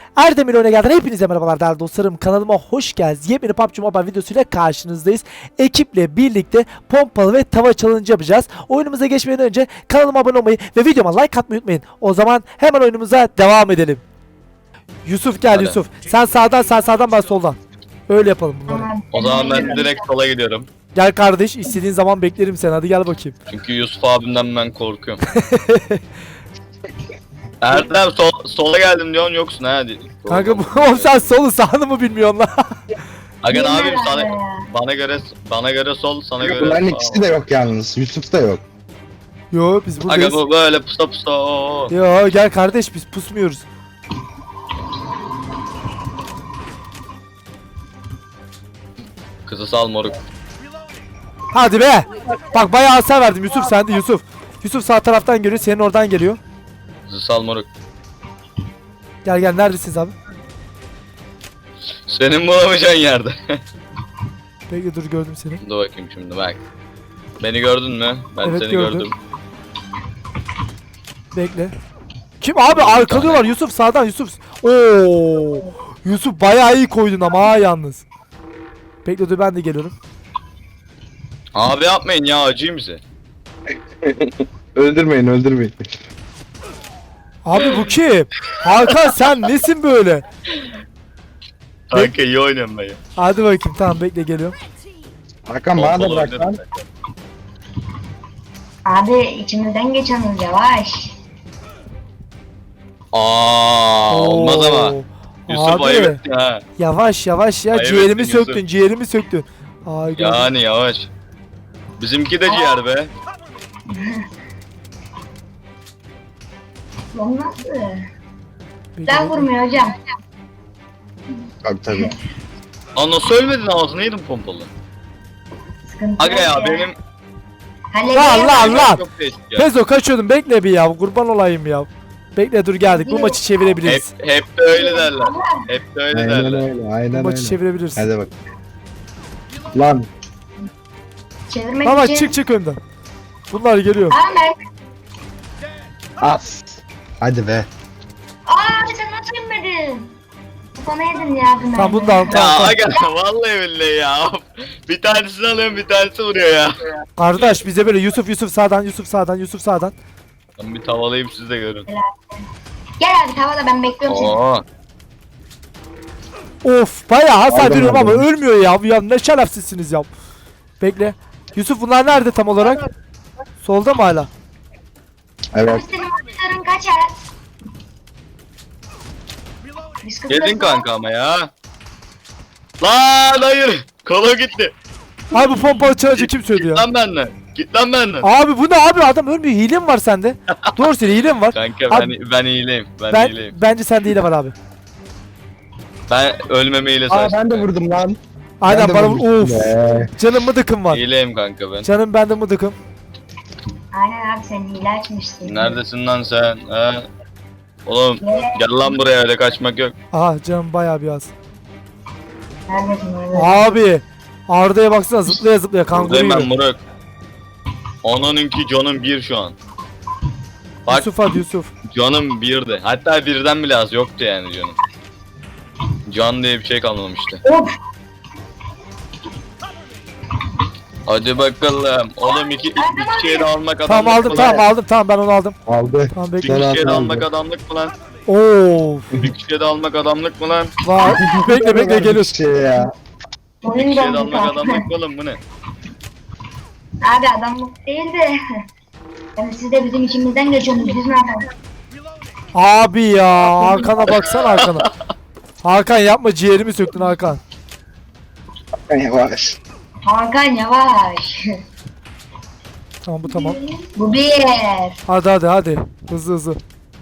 Erdemir Oyun'a gelden hepinize merhabalar değerli dostlarım. Kanalıma hoş geldiniz. Yepyeni PUBG Mobile videosuyla karşınızdayız. Ekiple birlikte pompalı ve tava challenge yapacağız. Oyunumuza geçmeden önce kanalıma abone olmayı ve videoma like atmayı unutmayın. O zaman hemen oyunumuza devam edelim. Yusuf gel. Hadi. Yusuf. Sen sağdan ben soldan. Öyle yapalım bunları. O zaman ben direkt sola gidiyorum. Gel kardeş, istediğin zaman beklerim seni. Hadi gel bakayım. Çünkü Yusuf abimden ben korkuyorum. Erdem sola geldim diyorsun yoksun ha. Kanka oğlum sen solu sağını mı bilmiyorsun lan? Aga ne yapayım sana bana göre sol sana göre Bunların sağ. ikisi de yok yalnız. Yusuf da yok. Yo biz Aga buradayız. bu böyle pusa pusa. Oo. Yo gel kardeş, biz pusmuyoruz. Kızı sal moruk. Hadi be. Bak bayağı hasar verdim. Yusuf sende Yusuf. Yusuf sağ taraftan geliyor. Senin oradan geliyor. Kızı sal moruk. Gel neredesiniz abi? Senin bulamayacağın yerde. Bekle dur, gördüm seni. Dur bakayım şimdi bak. Beni gördün mü? Ben Evet, seni gördüm. gördüm. Bekle. Kim abi, arkalıyorlar Yusuf sağdan Yusuf. Oo. Yusuf bayağı iyi koydun ama ha yalnız. Bekle dur, ben de geliyorum. Abi yapmayın ya, acıyım bize. Öldürmeyin. Abi bu kim? Hakan sen nesin böyle? Kanka iyi oynuyorum ben ya. Hadi bakayım, tamam bekle geliyorum. Hakan bana da Pompalı bırak oynadım lan. ben. Abi içimizden geçeniz yavaş. Olmaz ama. Oo. Yusuf Abi, ayıp etti ha. Yavaş ya, Ayıp ciğerimi ettin söktün, Yusuf. ciğerimi söktün. Ay gördüm. Yani yavaş. Bizimki de ciğer be. Lan nasıl? Bekle, Ben bekle. vurmuyor hocam. Tabii. Lan nasıl ölmedin, ağzına yedim pompalı. Sıkıntı Aga ya yok benim Lan. çok değişik ya. Pezo kaçıyordum, bekle bir ya, kurban olayım ya. Bekle dur, geldik, bu maçı çevirebiliriz. Hep de öyle derler. Hep de öyle Aynen derler. öyle. Bu Aynen maçı öyle. çevirebiliriz. Hadi bak. Lan. Çevirmek Baba için. çık önden. Bunlar geliyor. Ahmet. As. Hadi be. Abi sen nasıl inmedin? Kafana yedin ya bunu. Tamam bunu da al, Ya tamam. aga vallahi billahi ya. Bir tanesini alıyorum, bir tanesi vuruyor ya. Kardeş bize böyle Yusuf sağdan. Ben bir tavalayayım, siz de görün. Gel abi tavada ben bekliyorum seni. Oo. Of bayağı hasar Aldım, veriyorum ama aldım. ölmüyor ya. Ya ne şerefsizsiniz ya. Bekle. Yusuf bunlar nerede tam olarak? Solda mı hala? Evet. Abi senin vuruşların kaçar. Biz kızlarız Yedin lan. kanka ama ya. Lan hayır. Kola gitti. Abi bu pompalı çalıcı kim söyledi Git ya? lan benden. Git lan benden. Abi bu ne abi, adam ölmüyor. Hile mi var sende? Doğru söyle, hile mi var? Kanka Abi, ben iyileyim. Ben iyileyim. bence sende hile var abi. Ben ölmemeyle Aa savaştım. ben de vurdum lan. Aynen Ben de bana vurmuştum of. be. Canım mıdıkım var. İyileyim kanka ben. Canım bende mıdıkım. Aynen abi sen hile açmıştın. Neredesin lan sen? Ha? Oğlum gel lan buraya, öyle kaçmak yok. Aha canım bayağı bir az. Neredesin orada? Abi Arda'ya baksana, zıplaya kanguru Buradayım ben gibi. Murat. Onunki canım bir şu an. Bak Yusuf hadi Yusuf. canım birdi. Hatta birden bile az yoktu yani canım. Can diye bir şey kalmamıştı. Of. Hadi bakalım. Oğlum iki kişiye de almak adamlık Tamam aldım, mı lan? tamam ben onu aldım. Aldı. Tamam Bir bekle. Son kişiye de altın almak aldı. adamlık mı lan? Of. Bir kişiye de almak adamlık mı lan? Var. bekle geliyoruz. Şey ya. Bir Oyun kişiye de dondu almak kanka. adamlık mı oğlum, bu ne? Abi adamlık değil de. Yani siz de bizim içimizden geçiyorsunuz. Biz ne yapalım? Abi ya, Hakan'a baksana Hakan'a. Hakan yapma, ciğerimi söktün Hakan. Yavaş. Hakan yavaş. Tamam bu tamam. Bu bir. Hadi. Hızlı.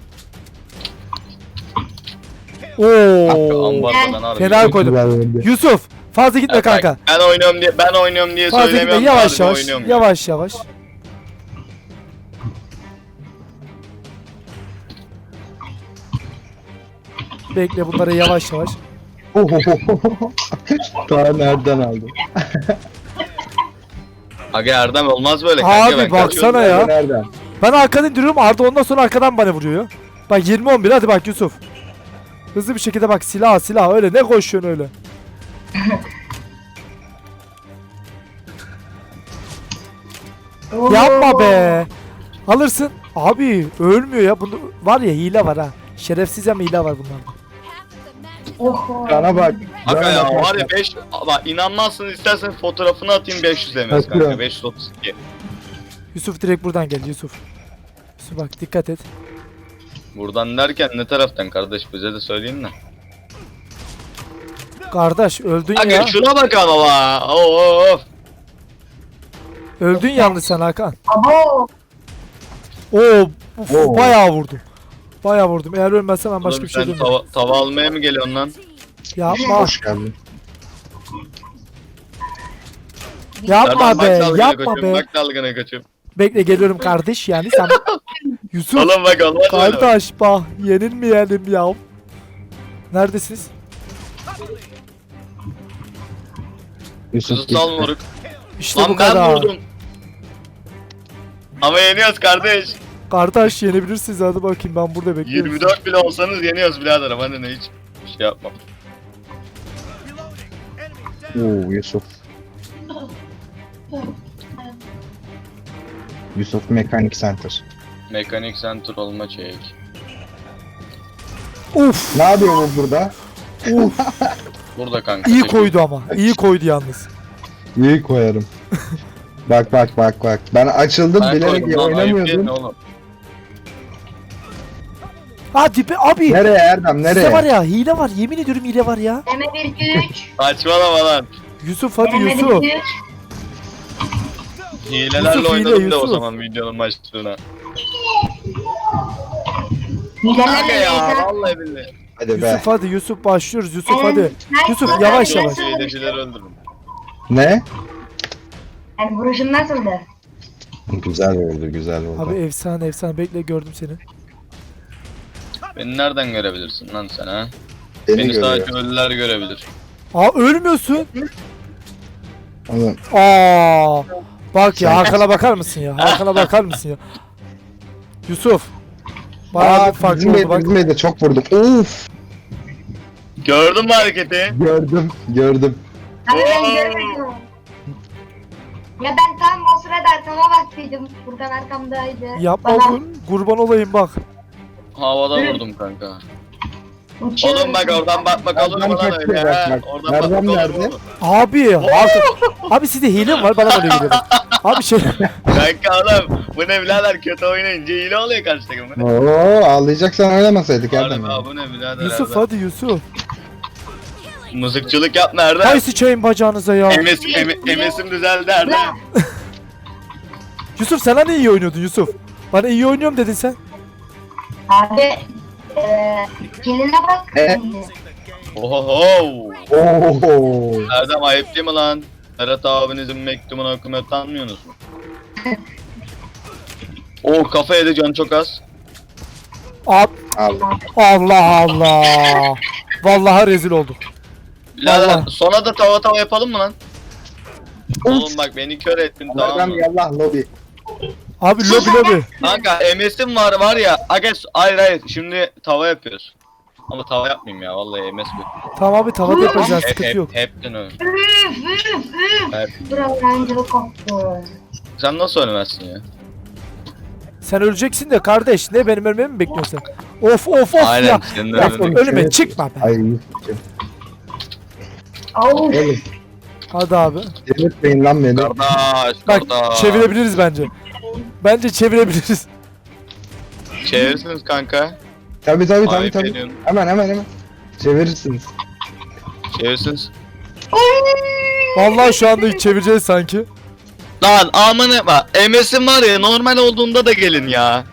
Kanka Oo. ambardadan harbi. Fena koydum. Güzel oyundu. Yusuf fazla gitme Ya bak, kanka. Ben oynuyorum diye Fazla gitme, söylemiyorum. yavaş harbi oynuyorum ya. yavaş. Bekle bunları yavaş. Daha nereden aldın? Aga Erdem olmaz böyle kanka, Abi ben baksana kaçıyorum. ya. Nereden? Ben arkadan indiriyorum, Arda ondan sonra arkadan bana vuruyor. Bak 20-11 hadi bak Yusuf. Hızlı bir şekilde bak, silah öyle ne koşuyorsun öyle. Yapma be. Alırsın. Abi ölmüyor ya. Bunda var ya, hile var ha. Şerefsiz ama hile var bunlarda. Oho. Sana bak. Kanka Cana ya bak. var ya 5 bak inanmazsınız, istersen fotoğrafını atayım 500 MS kanka Atıyorum. 532. Yusuf direkt buradan gel Yusuf. Yusuf bak dikkat et. Buradan derken ne taraftan kardeş, bize de söyleyin de. Kardeş öldün Kanka ya. şuna bak ama bak. Of. Öldün yalnız sen Hakan. Abo. Oo, uf, Oo. bayağı vurdum. Bayağı vurdum. Eğer ölmezsem ben başka Oğlum bir şey sen demiyorum. tava almaya mı geliyorsun lan? Yapma. Hoş geldin. Yapma be. Bak dalgana Yapma koçum, be. bak dalgana koçum. Bekle geliyorum kardeş yani sen. Yusuf. Oğlum bak olmaz öyle. Kardeş bak yenilmeyelim ya. Neredesiniz? Yusuf Kuzu sal moruk. İşte Lan bu ben kadar. vurdum. Ama yeniyoruz kardeş. Kardeş yenebilirsiniz, hadi bakayım ben burada bekliyorum. 24 bile olsanız yeniyoruz birader, ama ne hiç şey yapmam. Oo Yusuf. Yusuf Mekanik Center. Mekanik center olma çek. Uf, Ne yapıyor bu burada? uf. Burada kanka. İyi çek. koydu ama. İyi koydu yalnız. İyi koyarım. Bak. Ben açıldım Ben bilerek koydum lan, ayıp değil mi oynamıyordum. oğlum? Ha dipe abi. Nereye Erdem Size var nereye? ya, hile var, yemin ediyorum hile var ya. Deme 1-2-3. Saçmalama lan. Yusuf hadi Deme Yusuf. 1-2-3. Hilelerle Yusuf, hile, oynadım da o Yusuf. zaman videonun başlığına. Hilelerle Kanka ya Leyla. vallahi billahi. Hadi be. Yusuf hadi Yusuf, başlıyoruz Yusuf hadi. Nice. Yusuf, Nice. yavaş Nice. yavaş. Hilecileri öldürün. Ne? Yani vuruşun nasıldı? Güzel oldu. Abi efsane bekle, gördüm seni. Beni nereden görebilirsin lan sen ha? Beni Beni görüyor. sadece ölüler görebilir. Aa ölmüyorsun. Oğlum, Aa bak ya, Hakan'a bakar mısın ya? Hakan'a bakar mısın ya? Yusuf. Bayağı bir farklı oldu bak. bizim evde çok vurdum. Of. Gördün mü hareketi? Gördüm. Abi ben Oo. görmedim. Ya ben tam o sırada arkama baktıydım. Furkan arkamdaydı. Yapma Bana kurban olayım bak. Havada vurdum kanka. uçuyor. Oğlum bak oradan bakmak olur mu Erdem lan kaçıyor, öyle bak, ha? bak. Oradan Erdem bakmak olur nerede? mu? Abi Hakan. Abi sizde hile mi var? Bana böyle geliyor. Abi şey. Kanka oğlum bu ne birader, kötü oynayınca hile oluyor karşı takım. Bu ne? Oo ağlayacaksan oynamasaydık Erdem. Harbi bu ne birader? Yusuf Erdem? hadi Yusuf. Mızıkçılık yapma Erdem. Hay sıçayım bacağınıza ya. MS'im düzeldi Erdem. Yusuf sen hani iyi oynuyordun Yusuf. Bana iyi oynuyorum dedin sen. Abi kiline bak. Oho. Oo. Erdem ayıp değil mi lan? Ferhat abinizin mektubunu okumaya utanmıyorsunuz mu? Oh kafa yedi, can çok az. Ab Al. Allah Allah. Vallahi rezil olduk. Birader Vallahi. sona da tava yapalım mı lan? Oğlum bak beni kör ettin tamam Erdem mı? yallah lobi. Abi lobi. Kanka MS'im var ya. Ages hayır şimdi tava yapıyoruz. Ama tava yapmayayım ya vallahi MS bu. Tamam abi, tavada yapacağız, sıkıntı yok. Hepten öyle. Hep. Bravo oyunculuk koptu. Sen nasıl ölmezsin ya? Sen öleceksin de kardeş, ne benim ölmemi mi bekliyorsun sen? Of Aynen ya. senin Ya ölmeni. önüme çıkma be. Ay Yusuf'cum. Au. Oğlum Hadi abi. delirtmeyin lan beni. Kardeş Bak kardeş. çevirebiliriz bence. Bence çevirebiliriz. Çevirirsiniz kanka. Tabii. Ayıp ediyorsun. Hemen. Çevirirsiniz. Çevirirsiniz. Vallahi şu anda hiç çevireceğiz sanki. Lan amına bak MS'im var ya, normal olduğunda da gelin ya.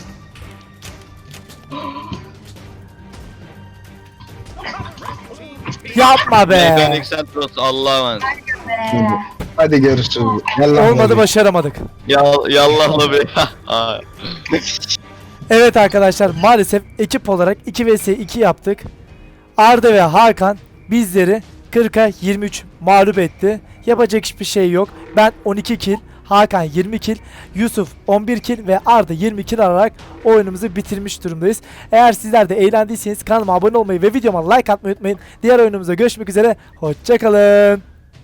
Yapma be. Mekanik Centros Allah'a emanet. Hadi görüşürüz. Yallah Olmadı, lobi. başaramadık. Yallah be. Aa. Evet arkadaşlar, maalesef ekip olarak 2 vs 2 yaptık. Arda ve Hakan bizleri 40'a 23 mağlup etti. Yapacak hiçbir şey yok. Ben 12 kill, Hakan 20 kill, Yusuf 11 kill ve Arda 20 kill alarak oyunumuzu bitirmiş durumdayız. Eğer sizler de eğlendiyseniz kanalıma abone olmayı ve videoma like atmayı unutmayın. Diğer oyunumuza görüşmek üzere. Hoşçakalın.